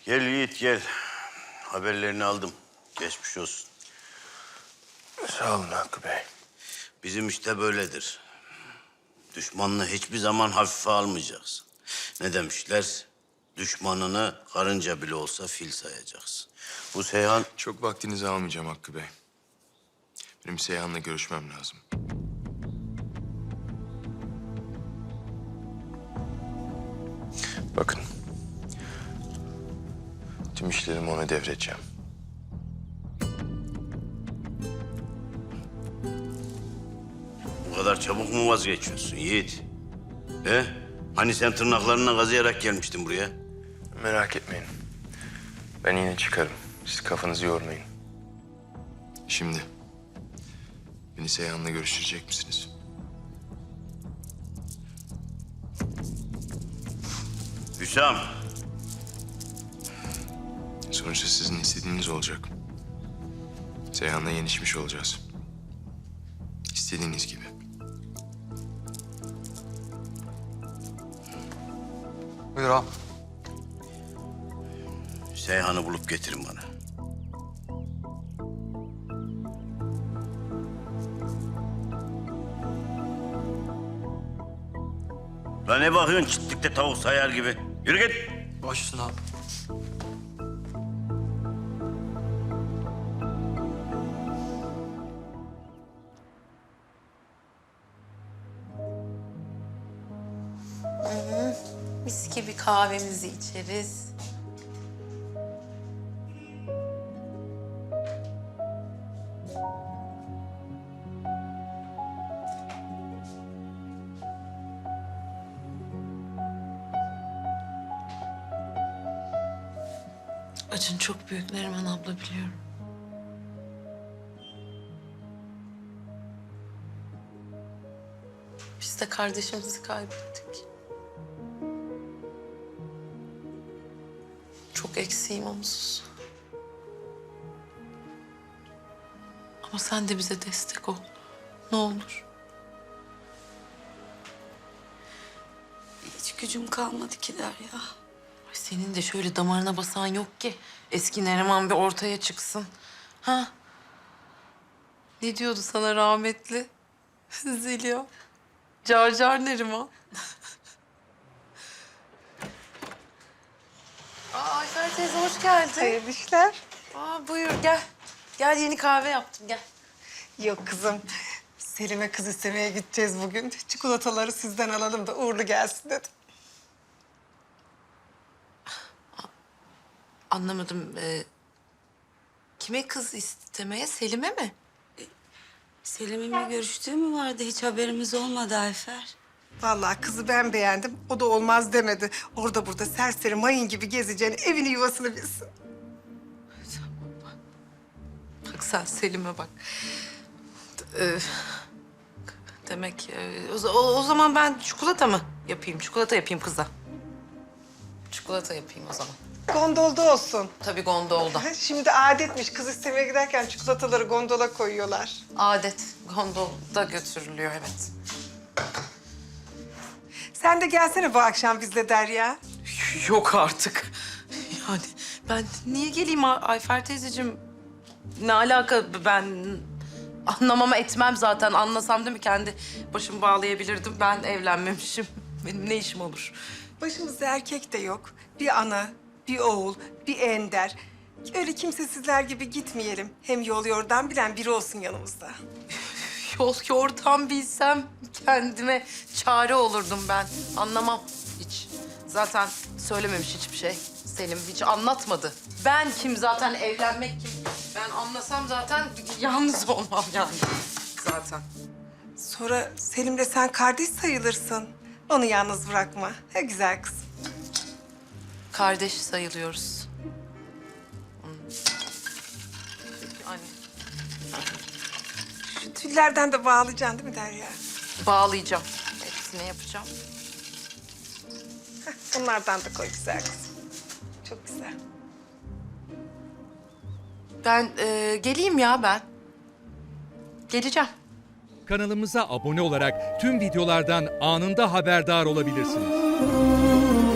Gel Yiğit gel. Haberlerini aldım. Geçmiş olsun. Sağ olun Hakkı Bey. Bizim işte böyledir. Düşmanını hiçbir zaman hafife almayacaksın. Ne demişler? Düşmanını karınca bile olsa fil sayacaksın. Bu Seyhan... Çok vaktinizi almayacağım Hakkı Bey. Benim Seyhan'la görüşmem lazım. Bakın. Tüm işlerimi ona devredeceğim. Bu kadar çabuk mu vazgeçiyorsun Yiğit? He? Hani sen tırnaklarına kazıyarak gelmiştin buraya? Merak etmeyin. Ben yine çıkarım. Siz kafanızı yormayın. Şimdi beni Seyhan'la görüştürecek misiniz? Hüsam. Sonuçta sizin istediğiniz olacak. Seyhan'la yenişmiş olacağız. İstediğiniz gibi. Buyur ağam. Seyhan'ı bulup getirin bana. Lan ne bakıyorsun çiftlikte tavuk sayar gibi? Yürü git. Baş üstüne ağam. Mis gibi kahvemizi içeriz. Acın çok büyük Neriman abla biliyorum. Biz de kardeşimizi kaybettik. Çok eksiğim onsuz. Ama sen de bize destek ol. Ne olur. Hiç gücüm kalmadı ki Derya. Ay senin de şöyle damarına basan yok ki. Eski Neriman bir ortaya çıksın. Ha? Ne diyordu sana rahmetli? Zeliha. Car car Neriman. Ayfer teyze hoş geldin. Hayırlı işler. Buyur gel. Gel yeni kahve yaptım gel. Yok kızım. Selim'e kız istemeye gideceğiz bugün. Çikolataları sizden alalım da uğurlu gelsin dedim. Anlamadım. Kime kız istemeye? Selim'e mi? Selim'imle görüştüğü mü vardı? Hiç haberimiz olmadı Ayfer. Vallahi kızı ben beğendim. O da olmaz demedi. Orada burada serseri mayın gibi gezeceğini, evini yuvasını bilsin. Bak sen Selim'e bak. Demek o zaman ben çikolata mı yapayım? Çikolata yapayım kıza. Çikolata yapayım o zaman. Gondolda olsun. Tabii gondolda. Şimdi adetmiş. Kız istemeye giderken çikolataları gondola koyuyorlar. Adet gondolda götürülüyor evet. Sen de gelsene bu akşam bizle Derya. Yok artık. Yani ben niye geleyim Ayfer teyzeciğim? Ne alaka ben anlamama etmem zaten. Anlasam değil mi kendi başımı bağlayabilirdim. Ben evlenmemişim. Benim ne işim olur? Başımızda erkek de yok. Bir ana, bir oğul, bir ender. Öyle kimsesizler gibi gitmeyelim. Hem yol yordan bilen biri olsun yanımızda. Yol yordan bilsem kendime çare olurdum ben. Anlamam hiç. Zaten söylememiş hiçbir şey. Selim hiç anlatmadı. Ben kim zaten evlenmek kim? Ben anlasam zaten yalnız olmam yani zaten. Sonra Selim'le sen kardeş sayılırsın. Onu yalnız bırakma. He güzel kızım. Kardeş sayılıyoruz. Anne. Şu tüllerden de bağlayacaksın değil mi Derya? Bağlayacağım. Hepsini yapacağım. Bunlardan da koy güzel kızım. Çok güzel. Ben geleyim ya ben. Geleceğim. Kanalımıza abone olarak tüm videolardan anında haberdar olabilirsiniz.